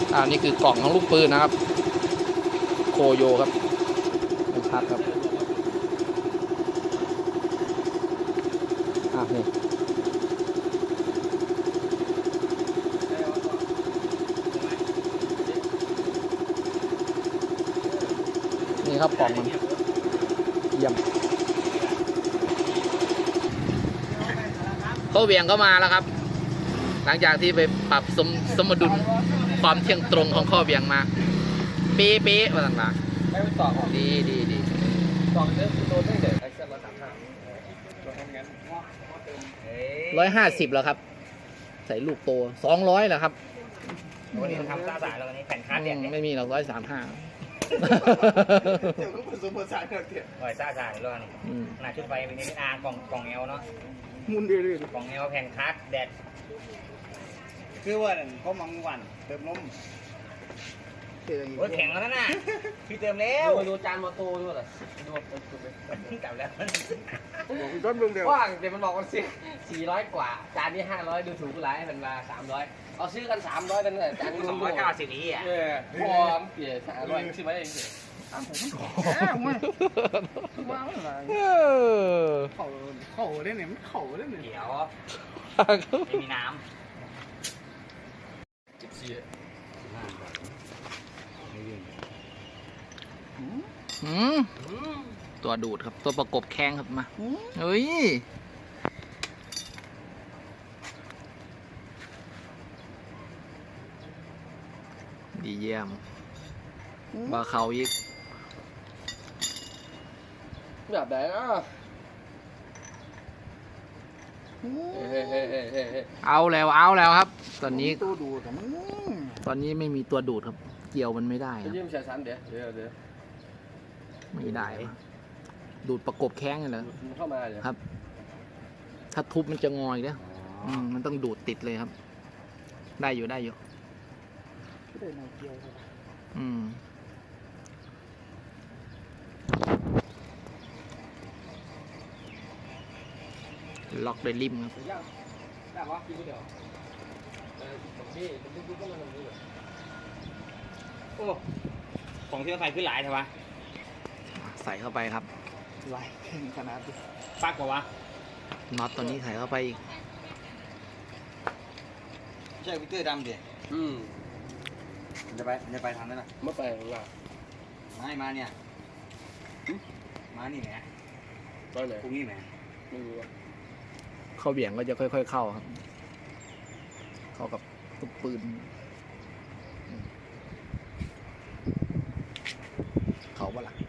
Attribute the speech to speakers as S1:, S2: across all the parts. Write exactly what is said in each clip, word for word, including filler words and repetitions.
S1: อ่านี่คือกล่องของลูกปืนนะครับโคโยครับชัดครับอ่ะนี่นี่ครับกล่องมันเยี่ยมเขาเวียงก็มาแล้วครับหลังจากที่ไปปรับสมสมดุลความเที่ยงตรงของข้อเวียงมาเป๊ะเป๊ะมาต่างๆไม่ไปต่อดีดีดีต่อเรื่องโดนได้เดี๋ยวไอ้เส้นร้อยสามห้าร้อยห้าสิบแล้วครับใส่ลูกโตสองร้อยแล้วครับ
S2: วันนี้ทำซ่าสายแล้ววันนี้แผ่นคัดเนี่ย
S1: ไม่มีหรอกร้อยสามห้า
S3: เดี๋ยวก็ผสมผสานกันเถอะ
S2: หอยซ่าสายแล้วนี่หน้าชุดไฟเป็นนี่อากล่องกล่องเอลเนาะ
S3: มุนเรื่อย
S2: ๆกล่องเอลแผ่นคัดแดด
S3: คือว่าเขามังวันเติมนม
S2: โอ้ยแข็งแล้วนะพี่เติมแล้ว
S4: ดูจานมอโต้ด้วยเหรอดู
S2: กลับแล้ว
S3: ต้นเดียว
S4: ว่างเดี๋ยวมันบอกว่าสี่สี่ร้อยกว่าจานนี้ห้าร้อยดูถูกกูหลายมันมาสามร้อยเอาซื้อกันสามร้อยกันเลยจานนี้
S2: สองร้อยเก้าสิบอีอ่ะ
S4: เออพอมเปลี่ยนสามร้อยซื้อมาเอง
S3: อ้าวผมแหมว้าวอะไรเข่าเข่าได้เนี่ยมันเข่าได้เนี่ย
S2: เดี๋ยวไม่มีน้ำ
S4: จิบซี
S1: อืมตัวดูดครับตัวประกบแข้งครับมาเฮ้ยดีเยี่ยมบาเขาอีก
S4: แบบไหนอ่ะ
S1: เอาแล้วเอาแล้วครับตอนนี้
S3: ตัวดูด
S1: ตอนนี้ไม่มีตัวดูดครับเกี่ยวมันไม่ได้
S4: จะยืมใช้ชั้นเดี๋ยวเดี๋ยวเดี๋ยว
S1: ไม่ได้ดูดประกบแข้งเลยเหรอ
S4: เข้ามาเดี๋ยว
S1: ครับถ้าทุบมันจะงอยเนี่ยมันต้องดูดติดเลยครับได้อยู่ได้อยู่อืมล็อกด้วยริมครับ
S2: โอ้ของที่เราใส่ขึ้นหลายใช่ปะ
S1: ใส่เข้าไปครับ
S3: ไหลแข็งขนาดนี้
S2: ปักกว่าวะ
S1: น็อตตัวนี้ใส่เข้าไปอีก
S3: ใช่วิเตอร์ดำดิ
S4: อืม
S3: จะไปจะไปทางนั้นน่ะ
S4: เมื่อไปหรือเปล่า
S3: ไม่มาเนี่ยมานี่แหม
S4: ตอนไหน
S3: พรุ่งนี้แหม
S4: ไม่รู้
S1: เข้าเบี่ยงก็จะค่อยๆเข้าครับเข้ากับตุกปืนเขาบ้าล่ะ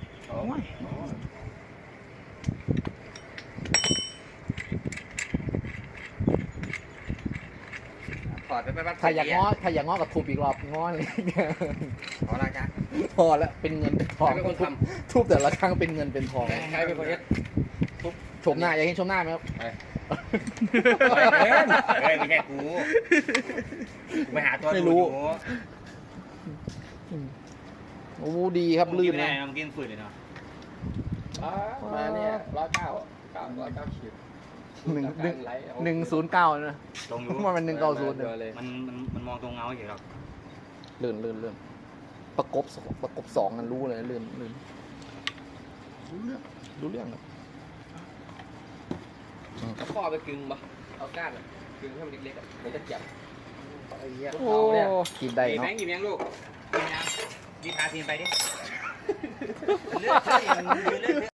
S2: ถอดไปไป
S1: ถ้าอยากง้อถ้าอยากง้อกับทุบอีกรอบง้อเลย
S2: พอละจ้ะ
S1: พอแล้วเป็นเงินเป็นทองทุบแต่ละครั้งเป็นเงินเป็นทอง
S4: ใครเป็นคนเอ็ด
S1: ทุบชมหน้าอยากเห็นชมหน้าไหมครับ
S2: เฮ้ยไม่ใช่กูไปหาตัว
S1: ไม่รู้โอ้ดีครับลื่น
S2: นะมันกินฝืดเลยเนาะ
S4: มาเนี่ยร้อยเก้าเก้าร้อยเก้าขีด
S1: หนึ่งหนึ่งหนึ่งศูนย์เก้านะมันเป็นหนึ่งเก้าศูนย์
S2: เลยมันมันมันมองตรงเงาอยู่หรอก
S1: ลื่นลื่นลื่นประกบประกบสองกันรู้เลยลื่นลื่นรู้เรื่องรู้เรื่องครับ
S4: เอาข้อไปกึ่งปะเอาก้านกึ่งให้มันเล็กๆอ่ะมันจะเจ็บไอ้เหี้ย
S1: โอ้กินได้เนาะ
S2: กินยังลูกกินยังดีพาทีมไปดิ